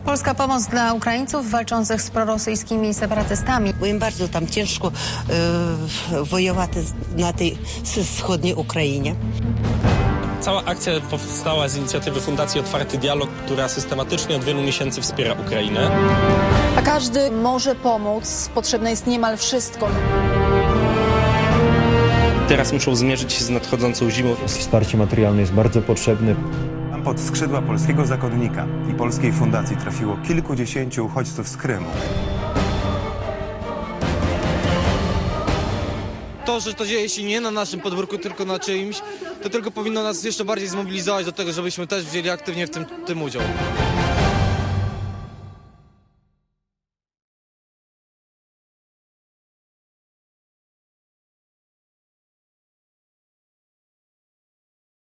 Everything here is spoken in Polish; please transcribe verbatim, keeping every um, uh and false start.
Polska pomoc dla Ukraińców walczących z prorosyjskimi separatystami. Bo im bardzo tam ciężko e, wojować na tej wschodniej Ukrainie. Cała akcja powstała z inicjatywy Fundacji Otwarty Dialog, która systematycznie od wielu miesięcy wspiera Ukrainę. A każdy może pomóc. Potrzebne jest niemal wszystko. Teraz muszą zmierzyć się z nadchodzącą zimą. Wsparcie materialne jest bardzo potrzebne. Pod skrzydła polskiego zakonnika i polskiej fundacji trafiło kilkudziesięciu uchodźców z Krymu. To, że to dzieje się nie na naszym podwórku, tylko na czyimś, to tylko powinno nas jeszcze bardziej zmobilizować do tego, żebyśmy też wzięli aktywnie w tym, tym udział.